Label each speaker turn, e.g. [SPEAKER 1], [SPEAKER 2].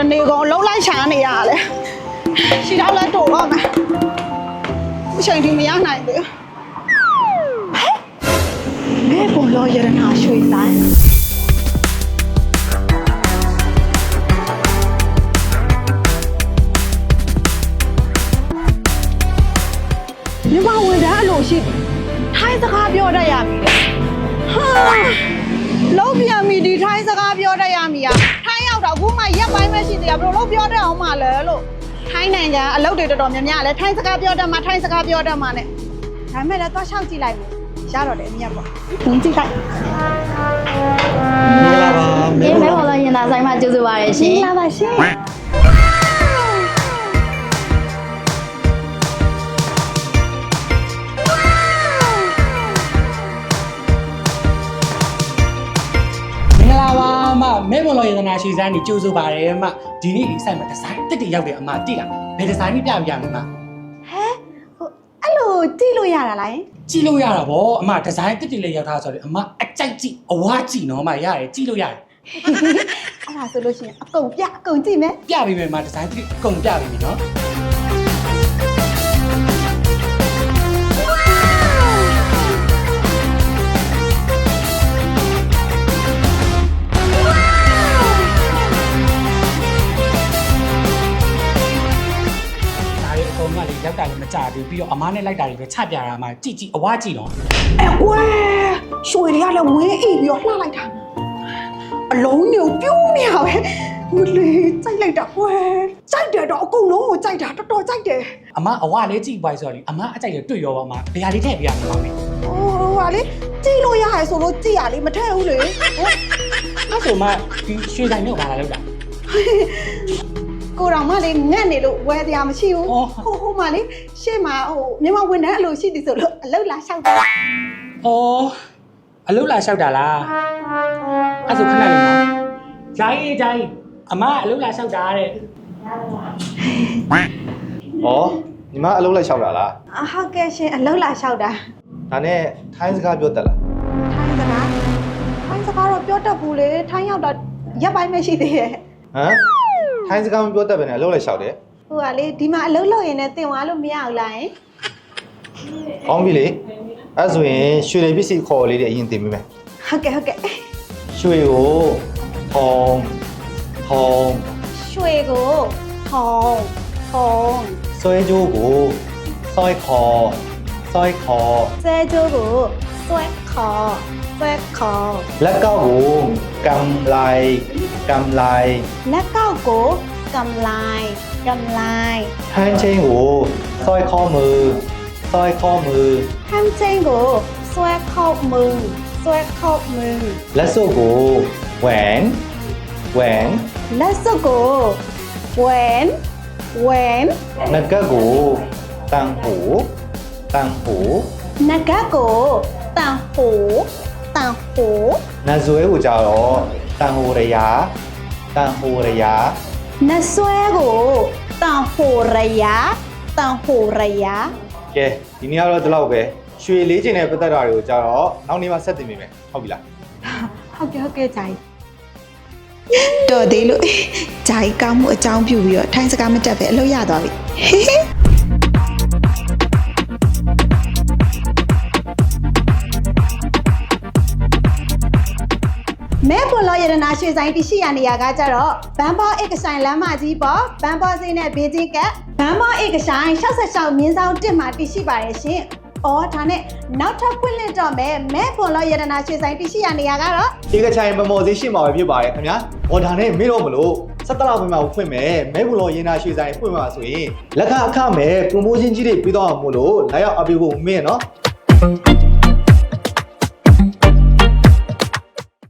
[SPEAKER 1] နေကုန်လုံးလိုက်ရှာနေရတယ်ရှိတော့လဲတိုးတော့မယ်အချိန်ထိမရနိုင်ဘူးမဲပေါ်လောရတနာရွှေဆိုင်မြမဝင်တဲ့အလိုရှိထိုင်းစကားပြောတတ်ရပြီဟာလုံးပြန်ပြီဒီထိုင်းစကားပြောတတ်ရမီอ่ะထိုင်းရောက်တော့အခုမှရက်ပိုင်းပဲရှိသေးတာဘယ်လိုလုံးပြောတတ်အောင်မလဲလို့ထိုင်းနိုင်ငံအလုပ်တွေတော်တော်များများလဲထိုင်းစကားပြောတတ်မှထိုင်းစကားပြောတတ်မှနဲ့ဒါမဲ့လည်းသွားလျှောက်ကြည့်လိုက်မယ်ရတော့တယ်အမြတ်ပေါ့ဝင်ကြည့်လိုက်
[SPEAKER 2] မင်္ဂလာပါ
[SPEAKER 3] မဲပေါ်လာရင်သာဆိုင်မှာကျေးဇူးပါတယ်ရှင်
[SPEAKER 1] မင်္ဂလာပါရှင်
[SPEAKER 2] မဲပေါ်လောရတနာရှိစမ်းနေကြိုးစိုးပါတယ်အမဒီနေ့ဒီဆိုင်မှာဒီဇိုင်းတက်တရောက်တယ်အမတိလားဘယ်ဒီဇိုင်းကြီးပြပြရမလဲ
[SPEAKER 1] ဟ
[SPEAKER 2] မ
[SPEAKER 1] ဲဟိုအဲ့လိုကြည့်လို့ရတာလား
[SPEAKER 2] ကြည့်လို့ရတာဗောအမဒီဇိုင်းတက်တလေးရောက်ထားဆိုတော့အမအကြိုက်ကြည့်အဝါကြည့်နော်အမရတယ်ကြည့်လို့ရတယ်
[SPEAKER 1] အဲ့ဒါဆိုလို့ရှိရင်အကုန်ကြည့်မယ်
[SPEAKER 2] ပြပေးမယ်အမဒီဇိုင်းတက်အကုန်ပြပေးပြီနော်ရောက်တာလည်းမကြဘူးပြီးတော့အမားနဲ့လိုက်တာတွေပဲချပြတာမှကြည့်အဝါကြည့်တော့
[SPEAKER 1] အဲကွယ်ရွှေတွေကလည်းဝင်းအိပ်ပြီးတော့လှလိုက်တာအလုံးညိုပြူးနေရပဲမလေးကြိုက်လိုက်တာကွယ်ကြိုက်တယ်တော့အကုန်လုံးကိုကြိုက်တာတော်တော်ကြိုက်တယ်
[SPEAKER 2] အမအဝါလေးကြည့်ပွားဆိုတော့လေအမအကြိုက်ရတွေ့ရောပါမဘယ်ဟာလေးထည့်ပြရမှာလဲ
[SPEAKER 1] ဟိုဟာလေကြည့်လို့ရရဆိုလို့ကြည့်ရလေမထည့်ဘူးလေ
[SPEAKER 2] အဲ့ဆိုမှဒီရွှေဆိုင်နဲ့ဘာလာလောက်တာ
[SPEAKER 1] ကိုတော်မလေးငတ်နေလို့ဝယ်တရားမရှိဘူးဟိုမလေးရှေ့မှာဟိုမြန်မာဝန်ထမ်းအလိုရှိသည်ဆိုလို့အလုပ်လာလျှောက်တာ
[SPEAKER 2] အော်အလုပ်လာလျှောက်တာလားအဲ့ဆိုခဏလေးနော်ဂျိုင်းအမအလုပ်လာလျှောက်တာတဲ့
[SPEAKER 4] ဩညီမအလုပ်လိုက်လျှောက်တာလား
[SPEAKER 1] ဟုတ်ကဲ့ရှင်အလုပ်လာလျှောက်တာ
[SPEAKER 4] ဒါနဲ့ထိုင်းစကားပြောတတ်လား
[SPEAKER 1] ထိုင်းစကားတော့ပြောတတ်ဘူးလေထိုင်းရောက်တော့ရက်ပိုင်းမရှိသေးရဲ့
[SPEAKER 4] ဟမ်ထိုင်းစကားမပြောတတ်ပဲနဲ့အလုပ်လိုက်လျှောက်တယ်
[SPEAKER 1] ဟိုကလေဒီမှာအလုပ်လုပ်ရင်လည်းတင်သွားလို့မရဘူးလားယင်
[SPEAKER 4] ကောင်းပြီလေအဲ့ဆိုရင်ရွှေတွေပစ္စည်းခေါ်လေးတွေအရင်တင်ပေးမယ်
[SPEAKER 1] ဟုတ်ကဲ့
[SPEAKER 4] ရွှေကိုထုံ
[SPEAKER 1] ရွှေကိုထုံ
[SPEAKER 4] ဆွဲကြိုးကိုဆွဲခေါ်
[SPEAKER 1] ဆွဲကြိုးကိုဆွဲခေါ်
[SPEAKER 4] လက်ကောက်ကိုกำไร
[SPEAKER 1] လက်ကောက်ကိုกำไร
[SPEAKER 4] ဟန်းချင်းကိုဆွဲข้อมือ
[SPEAKER 1] ဟန်းချင်းကိုဆွဲခေါက်มือ
[SPEAKER 4] လက်စွပ်ကိုแหวน
[SPEAKER 1] လက်စွပ်ကိုแหวน
[SPEAKER 4] နဂတ်ကိုတန်หู
[SPEAKER 1] နဂတ်ကိုတန်หู
[SPEAKER 4] နတ်ဇွဲကိုကြတော့တန်หูရယာ
[SPEAKER 1] နတ်ဆွဲကိုတန်หูရယာ
[SPEAKER 4] ကဲဒီနေ့ကတော့ဒီလောက်ပဲရွှေလေးချင်တဲ့ပတ်သက်တာတွေကိုကြတော့နောက်နေ့မှဆက်တင်ပေးမယ်ဟုတ်ပြီလား
[SPEAKER 1] ဟုတ်ကဲ့ဂျာကြီးတော်သေးလို့ဂျာကြီးကောင်းမှုအကြောင်းပြုပြီးတော့ထိုင်းစကားမတက်ပဲအလုပ်ရသွားပြီမဲပေါ်လောရတနာရွှေဆိုင်တရှိရနေရကကြတော့ဘန်ဘောဧကဆိုင်လမ်းမကြီးပေါ်ဘန်ဘောဈေးနဲ့ဘေးချင်းကဘန်ဘောဧကဆိုင်66မြင်းဆောင်1မှာတရှိပါတယ်ရှင်။အော်ဒါနဲ့နောက်ထပ်ဖွင့်လှစ်တော့မဲပေါ်လောရတနာရွှေဆိုင်တရှိရနေရကတော့
[SPEAKER 4] ဧကဆိုင်မမော်ဈေးရှိမှာပဲဖြစ်ပါတယ်ခင်ဗျာ။အော်ဒါနဲ့မေ့တော့မလို့17လပိုင်းမှာဖွင့်မယ်မဲပေါ်လောရတနာရွှေဆိုင်ဖွင့်မှာဆိုရင်လက်ခအခမဲ့ promotion ကြီးတွေပြီးတော့မို့လို့လာရောက်အပ်ပေးဖို့မင်းနော်။